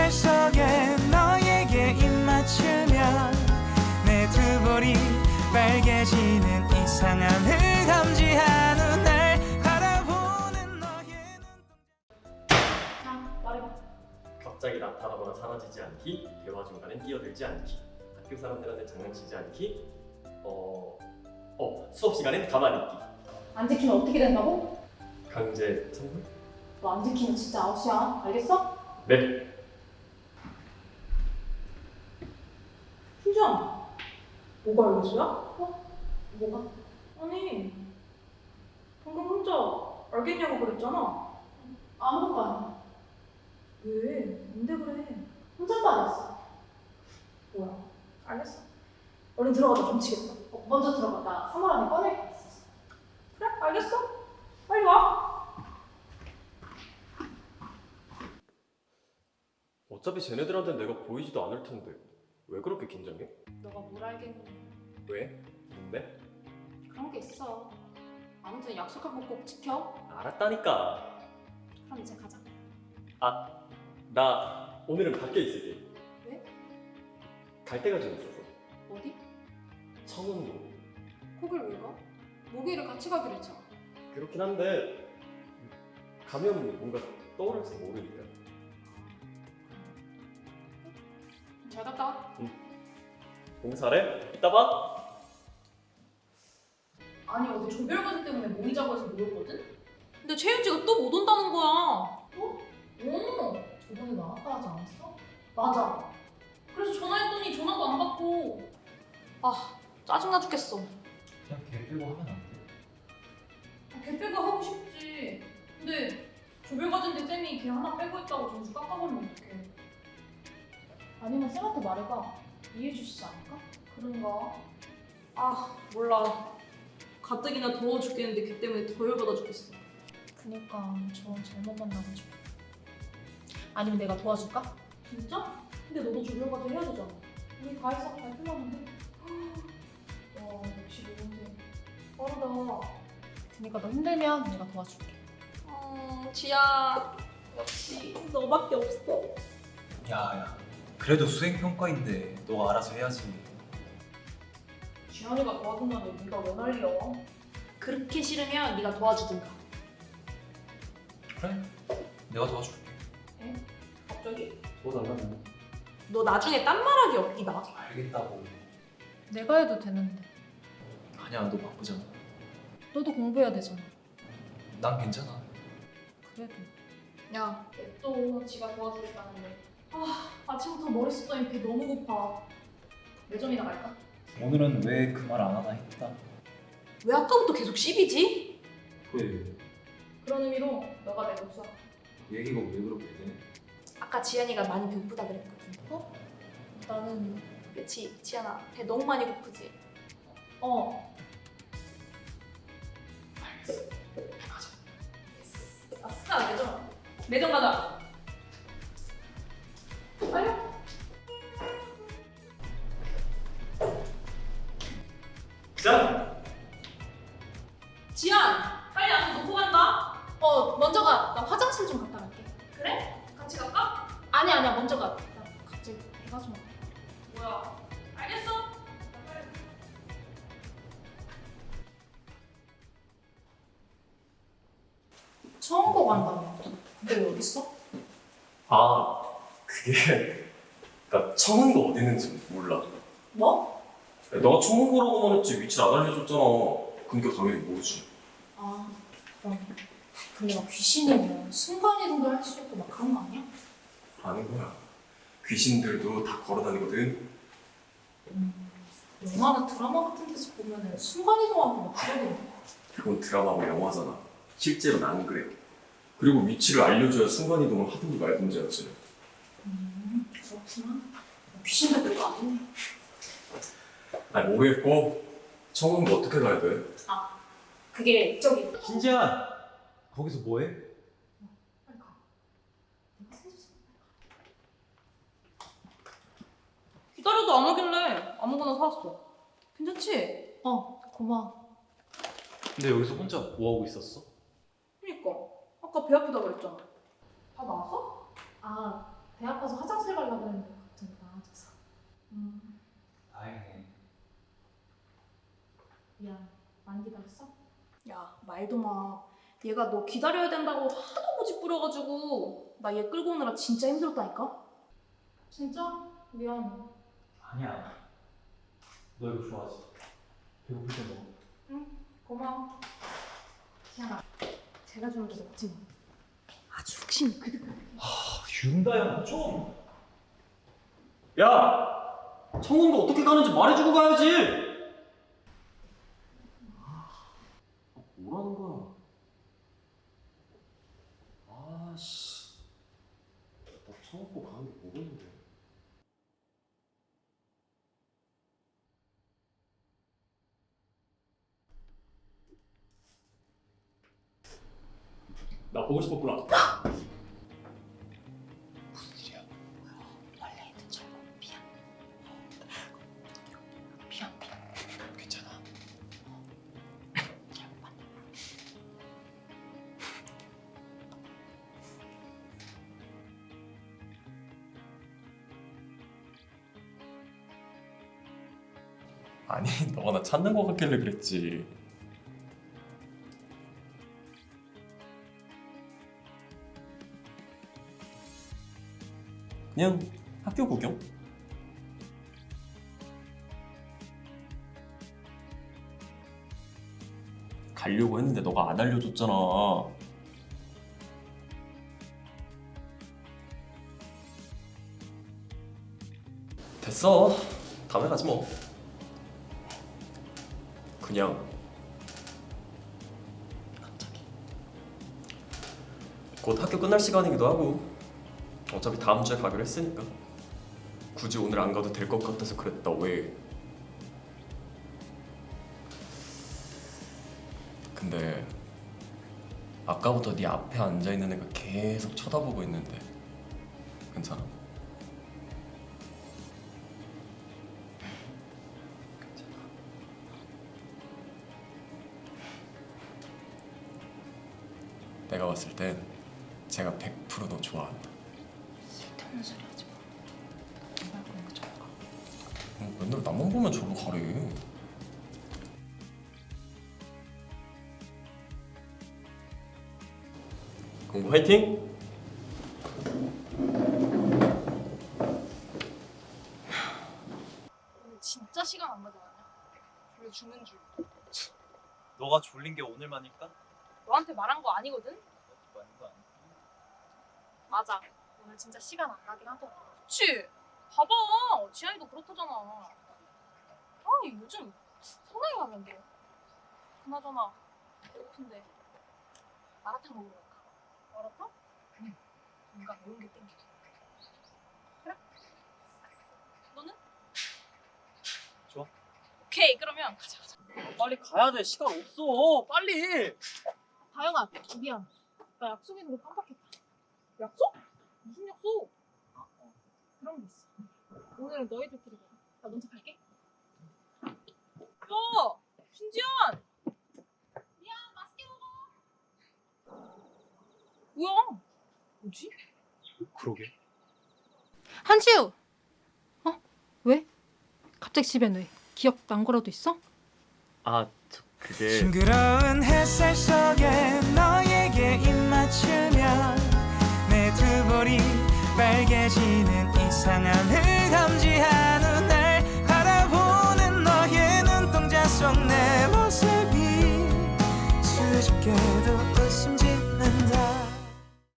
거울 속에 너에게 입 맞추면 내 두 볼이 빨개지는 이상함을 감지한 날 바라보는 너의 자, 말해봐. 갑자기 나타나거나 사라지지 않기, 대화 중간에 끼어들지 않기, 학교 사람들한테 장난치지 않기, 수업 시간엔 가만히 있기. 안 지키면 어떻게 된다고? 강제 선물? 너 안 지키면 진짜 아웃이야. 알겠어? 네. 신주야, 뭐가 알겠어야? 뭐가? 아니, 방금 혼자 알겠냐고 그랬잖아. 아무것도 아니야. 왜? 뭔데 그래? 혼잣말 했어. 뭐야? 알겠어. 얼른 들어가자. 좀 치겠다. 먼저 들어가. 나 3월 안에 꺼낼 거 있어. 그래? 알겠어. 빨리 와. 어차피 쟤네들한테는 내가 보이지도 않을 텐데 왜 그렇게 긴장해? 너가 뭘 알겠니? 왜? 뭔데? 그런 게 있어. 아무튼 약속한 거 꼭 지켜. 알았다니까. 그럼 이제 가자. 나 오늘은 밖에 있을게. 왜? 갈 데가 좀 있어서. 어디? 청운도. 거길 왜 가? 목요일에 같이 가기로 했잖아. 그렇긴 한데 가면 뭔가 떠오를지 모르니까. 잘 갔다 와. 공사래? 이따 봐. 아니 어제 조별과제 때문에 모이자고 해서 모였거든? 근데 최윤지가 또 못 온다는 거야. 어? 오, 저번에 나왔다 하지 않았어? 맞아. 그래서 전화했더니 전화도 안 받고. 아, 짜증나 죽겠어. 그냥 걔 빼고 하면 안 돼? 걔 빼고 하고 싶지. 근데 조별과제인데 쌤이 걔 하나 빼고 있다고 점수 깎아버리면 어떡해. 아니면 쌤한테 말해봐. 이해해 주시지 않을까? 그런가? 아, 몰라. 가뜩이나 더워 죽겠는데 걔 때문에 더 열받아 죽겠어. 그니까 저 잘못 만나가지고. 아니면 내가 도와줄까? 진짜? 근데 너도 조별과제 해야 되잖아. 우리 다 해서 발표하는데. 와, 역시 너한테 빠르다. 그니까 너 힘들면 내가 도와줄게. 지야, 역시 너밖에 없어. 야야 그래도 수행평가인데 너가 알아서 해야지. 지연이가 도와준다는데 네가 왜 난리야? 그렇게 싫으면 네가 도와주든가. 그래 내가 도와줄게. 갑자기? 도와달라는. 너 나중에 딴 말하기 없기다. 알겠다고. 내가 해도 되는데. 아니야 너 바쁘잖아. 너도 공부해야 되잖아. 난 괜찮아. 그래도. 야, 또 지가 도와주겠다는데. 아침부터 머리 쏟더니 배 너무 고파. 매점이나 갈까? 오늘은 왜 그 말 안 하나 했다. 왜 아까부터 계속 씹이지? 그래 그런 의미로 너가 내 복수야. 얘기가 왜 그렇게 돼? 아까 지연이가 많이 배고프다 그랬거든. 어? 나는. 그치, 지연아. 배 너무 많이 고프지? 알겠어. 가자. 아싸, 매점. 매점 가자. 빨리. 자, 지연! 빨리 와서 놓고 간다. 먼저 가. 나 화장실 좀 갔다 갈게. 그래? 같이 갈까? 아니야. 먼저 가. 나 갑자기 배가 좀 아파. 뭐야? 알겠어. 처음 거 간다며. 근데 왜 여기 있어? 그게 나 청운도 어디 있는지 몰라. 뭐? 너가 청운고라고만 했지 위치 안 알려줬잖아. 그러니까 당연히 모르지. 그럼. 근데 막 귀신이면 순간이동도 할 수 있고 막 그런 거 아니야? 아는 거야. 귀신들도 다 걸어다니거든. 영화나 드라마 같은 데서 보면은 순간이동하고 막 그러던데. 그건 드라마고 영화잖아. 실제로는 안 그래. 그리고 위치를 알려줘야 순간이동을 하든지 말든지 하지. 그렇구나. 귀신도 별거 아니네. 아니 모르겠고 청운도 어떻게 가야 돼? 그게 저기. 신지야 거기서 뭐해? 빨리 가. 내가 세줬어. 기다려도 안 오길래 아무거나 사왔어. 괜찮지? 고마워. 근데 여기서 혼자 뭐하고 있었어? 그니까 아까 배 아프다 그랬잖아. 다 나왔어? 배 아파서 화장실 다행이네. 미안. 많이 기다렸어? 야, 말도 마. 얘가 너 기다려야 된다고 하도 고집 부려가지고 나 얘 끌고 오느라 진짜 힘들었다니까? 진짜? 미안해. 아니야. 너 이거 좋아하지? 배고플 때 먹어. 응, 고마워. 희연아, 제가 주는 게 먹지 뭐. 아주 욱신이 그득그득. 윤다야 좀. 야! 청문도 어떻게 가는지 말해주고 가야지! 뭐라는 거야? 아씨. 나 청문고 가는 게 뭐가 있는데? 나 보고 싶었구나. 원래 있는 줄 알고 미안. 미안. 괜찮아. 잘못 봤네. 아니, 너가 나 찾는 거 같길래 그랬지. 그냥 학교 구경? 가려고 했는데 너가 안 알려줬잖아. 됐어. 다음에 가지 뭐. 그냥 갑자기 곧 학교 끝날 시간이기도 하고 어차피 다음 주에 가기로 했으니까 굳이 오늘 안 가도 될 것 같아서 그랬다. 왜? 근데 아까부터 네 앞에 앉아있는 애가 계속 쳐다보고 있는데 괜찮아? 내가 봤을 땐 제가 100% 너 좋아한다. 쓸데없는 소리 하지 마. 정말 그런 거 좀 봐. 맨날 나만 보면 저로 가래. 공부 화이팅! 오늘 진짜 시간 안 가져가냐? 졸려 죽는 줄. 너가 졸린 게 오늘만일까? 너한테 말한 거 아니거든? 많은 거 아니야? 맞아. 오늘 진짜 시간 안 가긴 하더라. 그치? 봐봐. 지안이도 그렇다잖아. 아, 요즘 성당에 가면 돼. 그나저나 배고픈데 마라탕 먹으러 갈까? 마라탕? 응. 뭔가 매운 게 땡겨. 그래? 너는? 좋아. 오케이. 그러면 가자. 빨리 가야 돼. 시간 없어. 빨리. 다영아, 미안. 나 약속 있는 거 깜빡했다. 약속? 무슨 약속? 그런 게 있어. 오늘은 너희들끼리 먹어. 나 먼저 갈게. 야! 신지연! 미안, 맛있게 먹어. 뭐야? 뭐지? 그러게. 한시우! 왜? 갑자기 집엔 왜? 기억 난 거라도 있어? 아, 그게 싱그러운 햇살 속에 너에게 입맞추면 내 두 볼이 빨개지는 이상한 흑암지한 날 바라보는 너의 눈동자 속 내 모습이 수줍게도 웃음